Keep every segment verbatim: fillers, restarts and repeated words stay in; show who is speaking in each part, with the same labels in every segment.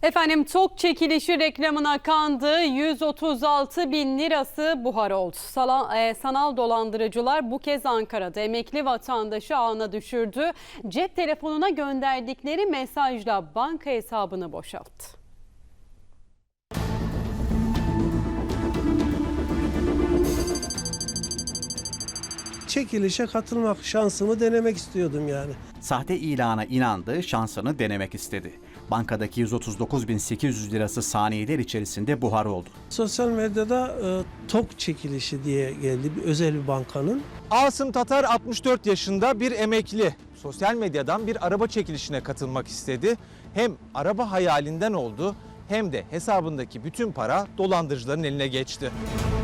Speaker 1: Efendim tok çekilişi reklamına kandı, yüz otuz altı bin lirası buhar oldu. Sala, e, sanal dolandırıcılar bu kez Ankara'da emekli vatandaşı ağına düşürdü. Cep telefonuna gönderdikleri mesajla banka hesabını boşalttı.
Speaker 2: Çekilişe katılmak şansımı denemek istiyordum yani.
Speaker 3: Sahte ilana inandı, şansını denemek istedi. Bankadaki yüz otuz dokuz bin sekiz yüz lirası saniyeler içerisinde buhar oldu.
Speaker 2: Sosyal medyada e, tok çekilişi diye geldi bir özel bir bankanın.
Speaker 4: Asım Tatar altmış dört yaşında bir emekli. Sosyal medyadan bir araba çekilişine katılmak istedi. Hem araba hayalinden oldu hem de hesabındaki bütün para dolandırıcıların eline geçti.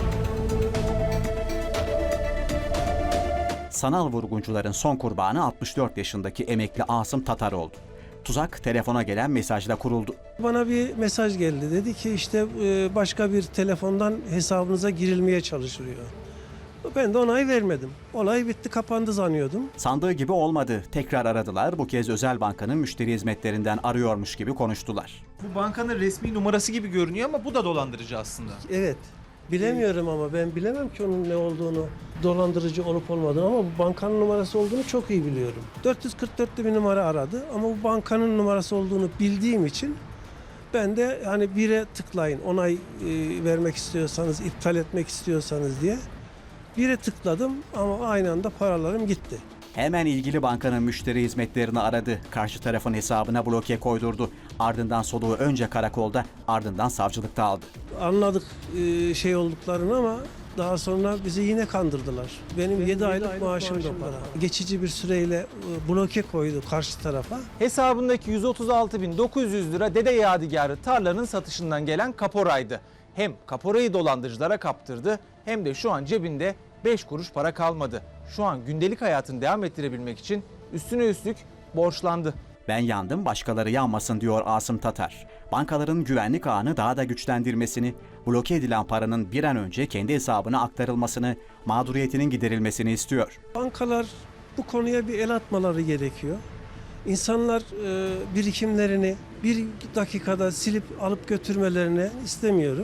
Speaker 3: Sanal vurguncuların son kurbanı altmış dört yaşındaki emekli Asım Tatar oldu. Tuzak telefona gelen mesajla kuruldu.
Speaker 2: Bana bir mesaj geldi. Dedi ki işte e, başka bir telefondan hesabınıza girilmeye çalışılıyor. Ben de onay vermedim. Olay bitti, kapandı zannıyordum.
Speaker 3: Sandığı gibi olmadı. Tekrar aradılar. Bu kez özel bankanın müşteri hizmetlerinden arıyormuş gibi konuştular.
Speaker 4: Bu bankanın resmi numarası gibi görünüyor ama bu da dolandırıcı aslında.
Speaker 2: Evet. Bilemiyorum ama ben bilemem ki onun ne olduğunu, dolandırıcı olup olmadığını, ama bu bankanın numarası olduğunu çok iyi biliyorum. dört yüz kırk dörtlü bir numara aradı ama bu bankanın numarası olduğunu bildiğim için ben de hani bire tıklayın, onay e, vermek istiyorsanız, iptal etmek istiyorsanız diye bire tıkladım ama aynı anda paralarım gitti.
Speaker 3: Hemen ilgili bankanın müşteri hizmetlerini aradı. Karşı tarafın hesabına bloke koydurdu. Ardından soluğu önce karakolda, ardından savcılıkta aldı.
Speaker 2: Anladık e, şey olduklarını ama daha sonra bizi yine kandırdılar. Benim yedi aylık maaşım da para. Geçici bir süreyle e, bloke koydu karşı tarafa.
Speaker 4: Hesabındaki yüz otuz altı bin dokuz yüz lira Dede Yadigarı tarlanın satışından gelen kaporaydı. Hem kaporayı dolandırıcılara kaptırdı hem de şu an cebinde beş kuruş para kalmadı. Şu an gündelik hayatını devam ettirebilmek için üstüne üstlük borçlandı.
Speaker 3: Ben yandım, başkaları yanmasın diyor Asım Tatar. Bankaların güvenlik ağını daha da güçlendirmesini, bloke edilen paranın bir an önce kendi hesabına aktarılmasını, mağduriyetinin giderilmesini istiyor.
Speaker 2: Bankalar bu konuya bir el atmaları gerekiyor. İnsanlar e, birikimlerini bir dakikada silip alıp götürmelerini istemiyorum.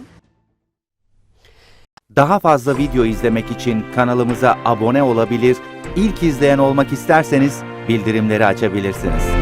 Speaker 5: Daha fazla video izlemek için kanalımıza abone olabilir, ilk izleyen olmak isterseniz bildirimleri açabilirsiniz.